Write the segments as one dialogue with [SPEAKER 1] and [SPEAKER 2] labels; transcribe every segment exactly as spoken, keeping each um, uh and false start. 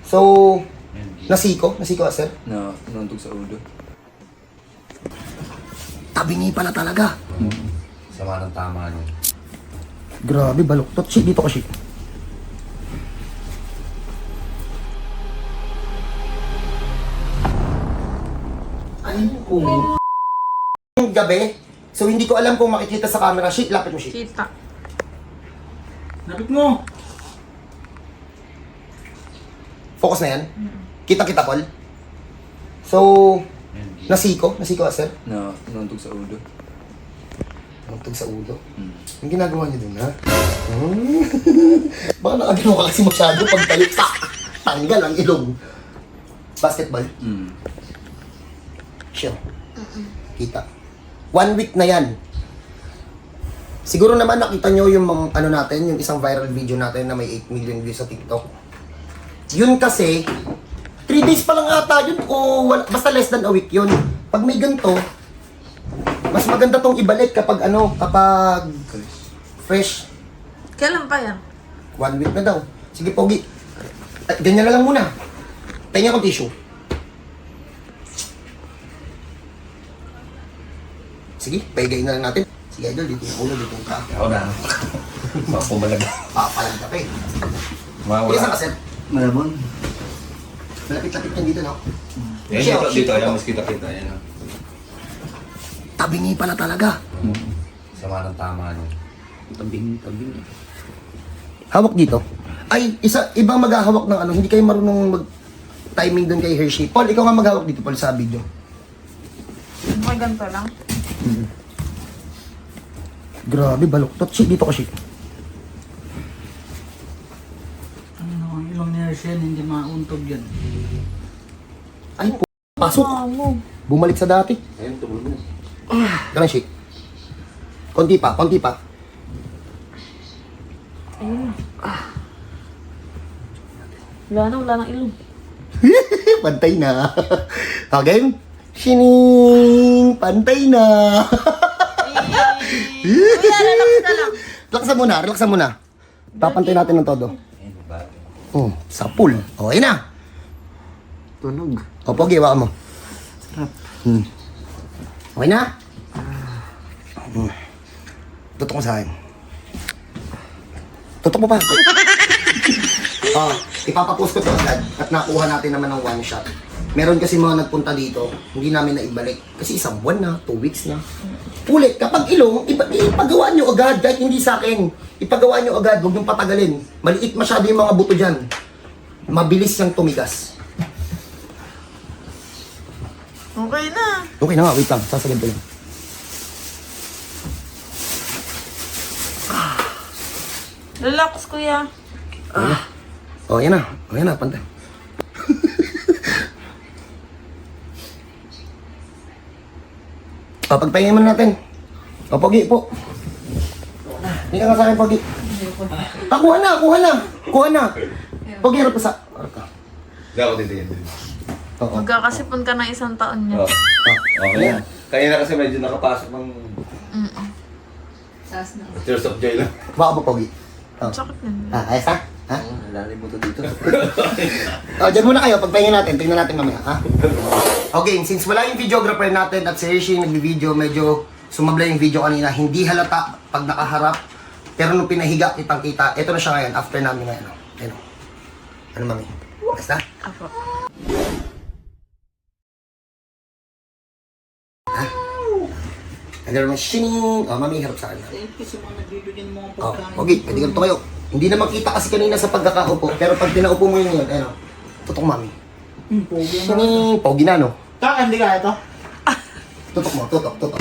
[SPEAKER 1] So, nasiko? Nasiko ka, sir?
[SPEAKER 2] Na, nantog sa ulo.
[SPEAKER 1] Tabingi pala talaga.
[SPEAKER 2] Sama ng tama niya.
[SPEAKER 1] Grabe, baluktot. Shit, dito ka, shit. Ay, kung... Yung gabi, so hindi ko alam kung makikita sa camera. Shit, lapit mo, shit.
[SPEAKER 3] Kita.
[SPEAKER 4] Lapit mo!
[SPEAKER 1] Focus na yan. Kita-kita, Paul. So, nasiko? Nasiko ka, sir?
[SPEAKER 2] Na, nantog sa ulo.
[SPEAKER 1] Nagtog sa ulo.
[SPEAKER 2] Hmm.
[SPEAKER 1] Ang ginagawa niyo dun, ha? Hmm. Baka nakagano ka kasi masyado pag talit. Tak! Tanggal ang ilong. Basketball.
[SPEAKER 2] Hmm.
[SPEAKER 1] Sure. Kita. One week na yan. Siguro naman nakita nyo yung mga- ano natin, yung isang viral video natin na may eight million views sa TikTok. Yun kasi, three days pa lang ata yun o wala, basta less than a week yun. Pag may ganito, mas maganda tong ibalik kapag ano, kapag fresh.
[SPEAKER 3] Kailan pa yan?
[SPEAKER 1] One week na daw. Sige, Pogi. Ay, ganyan na lang muna. Tingnan akong tissue. Sige, paigayin na lang natin. Sige, idol, dito yung ulo, dito yung ka.
[SPEAKER 2] Ako na. Makumalag.
[SPEAKER 1] Papalag ka pa eh.
[SPEAKER 2] Mawala.
[SPEAKER 1] Ilan ka, sir?
[SPEAKER 2] Malamon.
[SPEAKER 1] Malapit-lapit yan dito, no?
[SPEAKER 2] Yan,
[SPEAKER 1] Siya,
[SPEAKER 2] dito,
[SPEAKER 1] shit,
[SPEAKER 2] dito.
[SPEAKER 1] ito.
[SPEAKER 2] Ayan, mas kita-kita. Yan, ah.
[SPEAKER 1] Tabingi pala talaga.
[SPEAKER 2] Sama ng tama niya. Tabing, tabing.
[SPEAKER 1] Hawak dito. Ay, isa, ibang maghahawak ng ano, hindi kayo marunong mag-timing doon kay Hershey. Paul, ikaw nga maghawak dito, Paul, sa video.
[SPEAKER 3] May ganito lang.
[SPEAKER 1] Grabe, baluktot. Shit, dito ka, shit.
[SPEAKER 4] Ano, ang ilong ni Hershey, hindi mauntog yan.
[SPEAKER 1] Ay, po, pasok. Bumalik sa dati.
[SPEAKER 2] Ayun, tumulo mo.
[SPEAKER 1] Ganun, shit. Konti pa, konti pa.
[SPEAKER 3] Ayun. Wala na, wala nang ilong.
[SPEAKER 1] Pantay na. Again. Shining! Pantay na.
[SPEAKER 3] Kuya, relax ka lang.
[SPEAKER 1] Relaxan muna, relaxan muna. Papantay natin ng todo.
[SPEAKER 2] Ayun, bago.
[SPEAKER 1] Oh, sa pool. Okay na.
[SPEAKER 2] Tunog.
[SPEAKER 1] O, Pogi, hawakan mo. Hmm. Okay na? Hmm. Tutok mo sa akin. Tutok mo pa. Ah, ipapapost ko to agad at nakuha natin naman ng one shot. Meron kasi mga nagpunta dito, hindi namin naibalik. Kasi isang buwan na, two weeks na. Ulit, kapag ilong, ipa, ipagawa nyo agad, kahit hindi sa akin. Ipagawa nyo agad, huwag nyo patagalin. Maliit masyado yung mga buto dyan. Mabilis siyang tumigas.
[SPEAKER 3] Okay na.
[SPEAKER 1] Okay na nga, wait lang, sasagad ko lang.
[SPEAKER 3] Relax, kuya.
[SPEAKER 1] Oh, yan na. Oh, yan na, pantay. O, pagpahingin mo natin. O, Pogi po. Hindi ka nga sa akin, Pogi. Ah, kuha na, kuha na. Kuha na. Pogi, harap ka sa... Harap ka.
[SPEAKER 2] Hindi ako dito yan.
[SPEAKER 1] Oo.
[SPEAKER 3] Magkakasipon ka ng isang taon niya.
[SPEAKER 2] Oh. Okay na. Kanina kasi medyo nakapasok ng
[SPEAKER 3] Mm-mm.
[SPEAKER 2] Tears of Joy lang.
[SPEAKER 1] Baka po, Pogi. Oh.
[SPEAKER 3] Sakit na.
[SPEAKER 1] Ah, ayos ha? Ha?
[SPEAKER 2] Lalim mo to dito.
[SPEAKER 1] O, dyan muna kayo. Pagpahingin natin. Tingnan natin mamaya, ha? Okay, since wala yung videographer natin at si Hershey nagbi-video, medyo sumabla yung video kanina. Hindi halata pag nakaharap. Pero nung pinahiga, kitang-kita. Ito na siya ngayon, after namin ngayon. Ano? Ano, mami? Basta?
[SPEAKER 3] Apo.
[SPEAKER 1] Ano naman, shining! O, mami, harap sa akin.
[SPEAKER 4] Eh, kasi mga nagbibigyan mo ang
[SPEAKER 1] O,
[SPEAKER 4] pagkain.
[SPEAKER 1] okay, pwede ganito kayo. Hindi na makita kasi kanina sa pagkakaupo. Pero pag pinaupo mo yun yun, ano? Tutok, mami.
[SPEAKER 4] Hmm, pogi na.
[SPEAKER 1] Shining! Pogi na, no?
[SPEAKER 4] Kaka, hindi ka ito?
[SPEAKER 1] Tutok mo, tutok, tutok.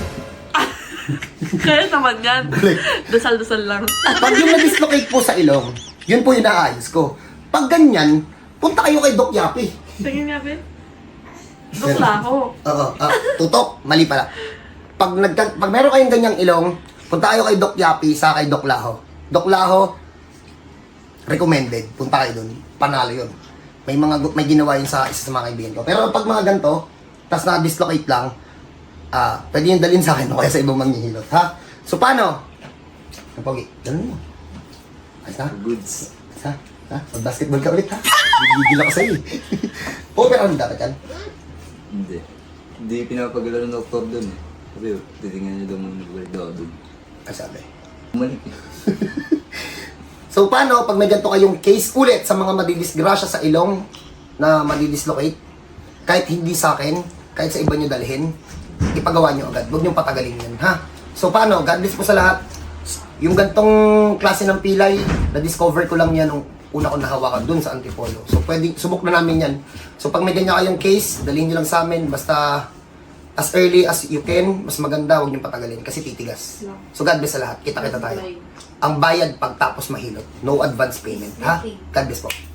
[SPEAKER 3] Kaya naman yan. Dasal-dasal lang.
[SPEAKER 1] Pag yung na-dislocate po sa ilong, yun po yung naayos ko. Pag ganyan, punta kayo kay Doc Yapi.
[SPEAKER 3] Tingin nga, Ben. Dukla ako.
[SPEAKER 1] Oo, ah, tutok, mali pala. Pag, nagka, pag meron kayong ganyang ilong, punta kayo kay Doc Yapi sa kay Doc Laho. Doc Laho, recommended. Punta kayo dun. Panalo yun. May mga gu- may ginawa yun sa isa sa mga kaibigan ko. Pero pag mga ganito, tas na-dislocate lang, ah, pwede yung dalhin sa akin o kaya sa ibang manghihilot, ha? So, paano? Pogi, ganun mo. Ayos na?
[SPEAKER 2] Goods.
[SPEAKER 1] Ayos na? Ha? Mag-basketball ka ulit, ha? Gigigil ako sa'yo, eh. Overarm dapat yan.
[SPEAKER 5] Hindi. Hindi pinapagalaw ng doktor dun eh. Sabi, titingnan niyo daw muna balik daw dun.
[SPEAKER 1] Ang sabi.
[SPEAKER 5] Umalik eh.
[SPEAKER 1] So, paano pag may ganito kayong case ulit sa mga madidisgrasya sa ilong na madidislocate, kahit hindi sa akin, kahit sa iba nyo dalhin, ipagawa nyo agad. Huwag nyo patagalin yan, ha? So, paano? God bless po sa lahat. Yung gantong klase ng pilay, na-discover ko lang yan nung una ko nahawakan dun sa Antipolo. So, pwede, subok na namin yan. So, pag may ganyan kayong case, dalhin nyo lang sa amin. Basta, as early as you can, mas maganda, huwag nyo patagalin. Kasi titigas. So, God bless sa lahat. Kita-kita tayo. Ang bayad pagtapos mahilot. No advance payment, ha? God bless po.